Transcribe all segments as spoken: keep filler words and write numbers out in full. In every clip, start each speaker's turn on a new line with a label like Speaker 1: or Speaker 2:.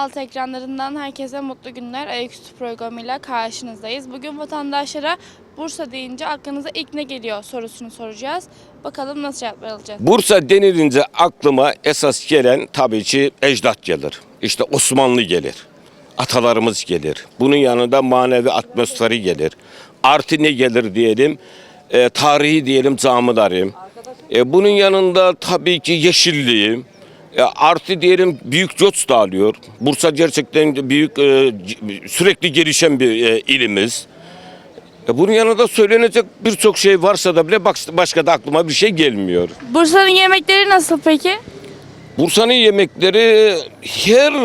Speaker 1: Altı ekranlarından herkese mutlu günler. Ayaküstü programıyla karşınızdayız. Bugün vatandaşlara Bursa deyince aklınıza ilk ne geliyor sorusunu soracağız. Bakalım nasıl cevaplar alacağız.
Speaker 2: Bursa denilince aklıma esas gelen tabii ki ecdat gelir. İşte Osmanlı gelir. Atalarımız gelir. Bunun yanında manevi atmosferi gelir. Artı ne gelir diyelim? E, tarihi diyelim camileri. E, bunun yanında tabii ki yeşilliği. E, artı diyelim büyük göç da alıyor. Bursa gerçekten büyük e, sürekli gelişen bir e, ilimiz. E, bunun yanında söylenecek birçok şey varsa da bile başka da aklıma bir şey gelmiyor.
Speaker 1: Bursa'nın yemekleri nasıl peki?
Speaker 2: Bursa'nın yemekleri her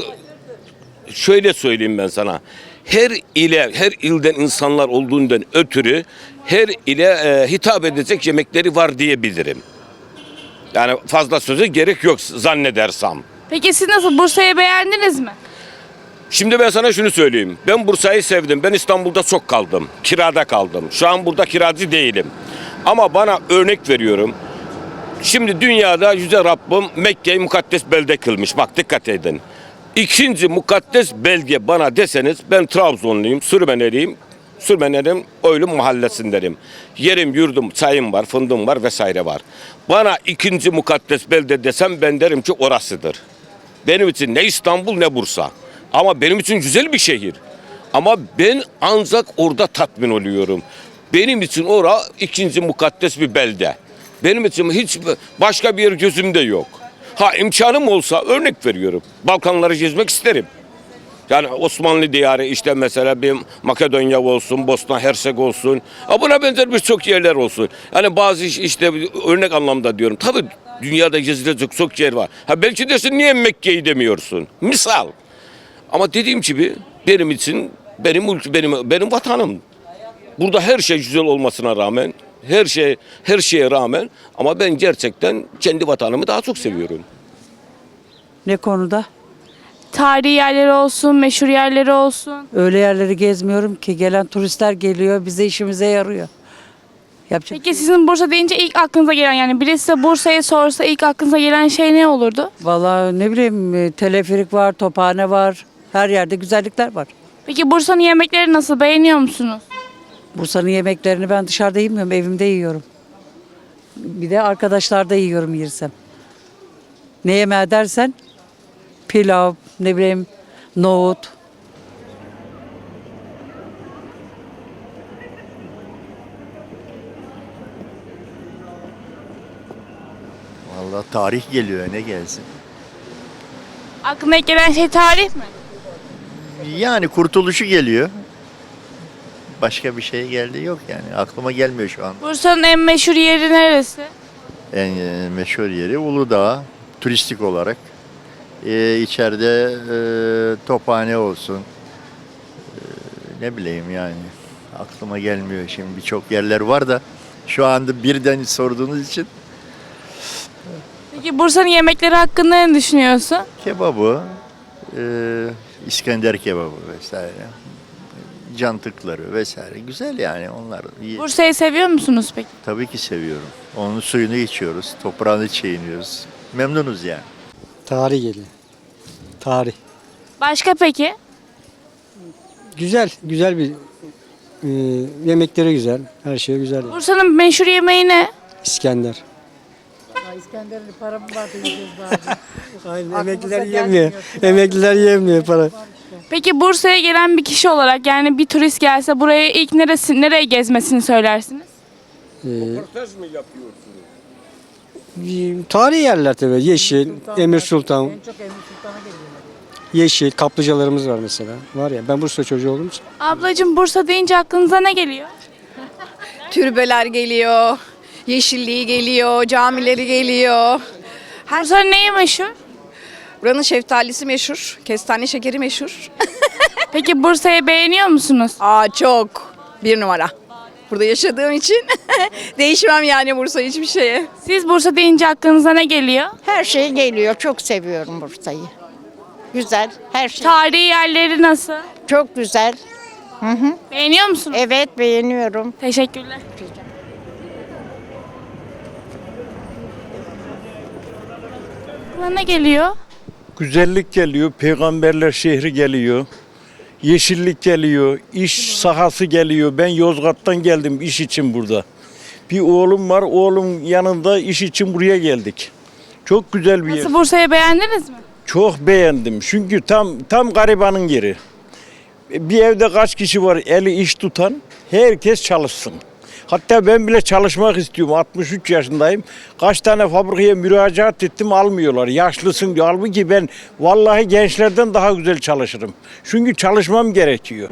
Speaker 2: şöyle söyleyeyim ben sana. Her ile, her ilden insanlar olduğundan ötürü her ile e, hitap edecek yemekleri var diyebilirim. Yani fazla söze gerek yok zannedersem.
Speaker 1: Peki siz nasıl Bursa'yı beğendiniz mi?
Speaker 2: Şimdi ben sana şunu söyleyeyim. Ben Bursa'yı sevdim. Ben İstanbul'da çok kaldım. Kirada kaldım. Şu an burada kiracı değilim. Ama bana örnek veriyorum. Şimdi dünyada Yüce Rabbim Mekke'yi mukaddes belde kılmış. Bak dikkat edin. İkinci mukaddes belge bana deseniz ben Trabzonluyum, Sürmeneliyim. Sürmeneliyim, Oylum mahallesindenim. Yerim, yurdum, çayım var, fındığım var vesaire var. Bana ikinci mukaddes belde desem ben derim ki orasıdır. Benim için ne İstanbul ne Bursa. Ama benim için güzel bir şehir. Ama ben ancak orada tatmin oluyorum. Benim için ora ikinci mukaddes bir belde. Benim için hiç başka bir yer gözümde yok. Ha imkanım olsa örnek veriyorum. Balkanları gezmek isterim. Yani Osmanlı diyarı işte mesela bir Makedonya olsun, Bosna Hersek olsun. Ha buna benzer birçok yerler olsun. Yani bazı işte örnek anlamda diyorum. Tabii dünyada gezilecek çok yer var. Ha belki dersin niye Mekke'yi demiyorsun? Misal. Ama dediğim gibi benim için benim ülke benim benim vatanım. Burada her şey güzel olmasına rağmen, her şey her şeye rağmen ama ben gerçekten kendi vatanımı daha çok seviyorum.
Speaker 3: Ne konuda?
Speaker 1: Tarihi yerleri olsun, meşhur yerleri olsun.
Speaker 3: Öyle yerleri gezmiyorum ki gelen turistler geliyor bize işimize yarıyor. Yapacak.
Speaker 1: Peki sizin Bursa deyince ilk aklınıza gelen yani birisi size Bursa'yı sorsa ilk aklınıza gelen şey ne olurdu?
Speaker 3: Vallahi ne bileyim e, teleferik var, tophane var. Her yerde güzellikler var.
Speaker 1: Peki Bursa'nın yemekleri nasıl? Beğeniyor musunuz?
Speaker 3: Bursa'nın yemeklerini ben dışarıda yemiyorum, evimde yiyorum. Bir de arkadaşlarda yiyorum yersem. Ne yemeği dersen pilav, ne bileyim nohut.
Speaker 4: Vallahi tarih geliyor ne gelsin.
Speaker 1: Aklına ilk gelen şey tarih mi?
Speaker 4: Yani kurtuluşu geliyor. Başka bir şey geldi yok yani. Aklıma gelmiyor şu anda.
Speaker 1: Bursa'nın en meşhur yeri neresi?
Speaker 4: En e, meşhur yeri Uludağ. Turistik olarak. Ee, içeride e, tophane olsun. Ee, ne bileyim yani. Aklıma gelmiyor şimdi. Birçok yerler var da şu anda birden sorduğunuz için
Speaker 1: Peki Bursa'nın yemekleri hakkında ne düşünüyorsun?
Speaker 4: kebabı, e, İskender kebabı vesaire. Cantıkları vesaire. Güzel yani onlar. İyi.
Speaker 1: Bursa'yı seviyor musunuz peki?
Speaker 4: Tabii ki seviyorum. Onun suyunu içiyoruz, toprağını çiğniyoruz. Memnunuz yani.
Speaker 5: Tarih geliyor. Tarih.
Speaker 1: Başka peki?
Speaker 5: Güzel, güzel bir e, yemekleri güzel. Her şey güzel. yani.
Speaker 1: Bursa'nın meşhur yemeği ne?
Speaker 5: İskender.
Speaker 3: İskender'in para mı vardı yiyeceğiz bazen.
Speaker 5: Aynen
Speaker 3: Aklımıza
Speaker 5: emekliler
Speaker 3: gelmiyor.
Speaker 5: yemiyor. Emekliler yemiyor para.
Speaker 1: Peki Bursa'ya gelen bir kişi olarak yani bir turist gelse buraya ilk neresi nereye gezmesini söylersiniz?
Speaker 5: E, tarihi yerler tabii. Yeşil, Emir Sultan.
Speaker 3: En çok Emir Sultan'a geliyorlar.
Speaker 5: Yeşil, kaplıcalarımız var mesela. Var ya ben Bursa çocuğu olduğum için.
Speaker 1: Ablacığım Bursa deyince aklınıza ne geliyor?
Speaker 6: Türbeler geliyor, yeşilliği geliyor, camileri geliyor.
Speaker 1: Bursa'nın neyi meşhur?
Speaker 6: Buranın şeftalisi meşhur, kestane şekeri meşhur.
Speaker 1: Peki Bursa'yı beğeniyor musunuz?
Speaker 6: Aa çok, bir numara. Burada yaşadığım için değişmem yani Bursa hiçbir şeye.
Speaker 1: Siz Bursa deyince aklınıza ne geliyor?
Speaker 7: Her şey geliyor. Çok seviyorum Bursa'yı. Güzel. Her şey
Speaker 1: Tarihi yerleri nasıl?
Speaker 7: çok güzel.
Speaker 1: Beğeniyor musunuz?
Speaker 7: Evet beğeniyorum.
Speaker 1: Teşekkürler. Aklına ne geliyor?
Speaker 8: güzellik geliyor, peygamberler şehri geliyor, yeşillik geliyor, iş sahası geliyor. Ben Yozgat'tan geldim iş için burada. Bir oğlum var, oğlum yanında iş için buraya geldik. Çok güzel bir yer.
Speaker 1: Nasıl, Bursa'yı beğendiniz mi?
Speaker 8: Çok beğendim çünkü tam tam garibanın yeri. Bir evde kaç kişi var eli iş tutan, herkes çalışsın. Hatta ben bile çalışmak istiyorum. altmış üç yaşındayım. Kaç tane fabrikaya müracaat ettim, almıyorlar. Yaşlısın diyor. Halbuki ben vallahi gençlerden daha güzel çalışırım. Çünkü çalışmam gerekiyor.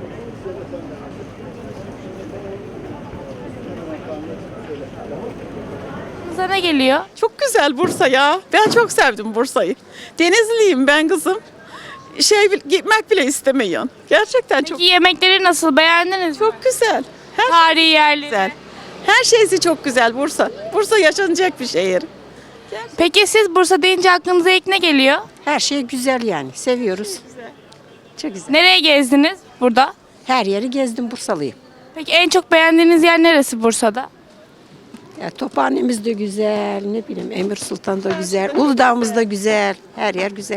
Speaker 1: Aklınıza ne geliyor?
Speaker 9: Çok güzel Bursa ya. Ben çok sevdim Bursa'yı. Denizliyim ben kızım. Şey gitmek bile istemiyorsun. Gerçekten çok
Speaker 1: Peki yemekleri nasıl, beğendiniz mi?
Speaker 9: çok güzel. Her
Speaker 1: Tarihi yerleri.
Speaker 9: güzel. Her şeysi çok güzel Bursa. Bursa yaşanacak bir şehir.
Speaker 1: Peki siz Bursa deyince aklınıza ilk ne geliyor?
Speaker 10: Her şey güzel yani. Seviyoruz. Çok güzel.
Speaker 1: Nereye gezdiniz burada?
Speaker 10: Her yeri gezdim, Bursalıyım.
Speaker 1: Peki en çok beğendiğiniz yer neresi Bursa'da?
Speaker 10: Ya, Tophane'miz de güzel, ne bileyim Emir Sultan da güzel, Uludağ'ımız da güzel. Her yer güzel.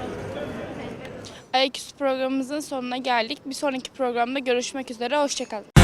Speaker 1: Ayaküstü programımızın sonuna geldik. Bir sonraki programda görüşmek üzere. Hoşçakalın.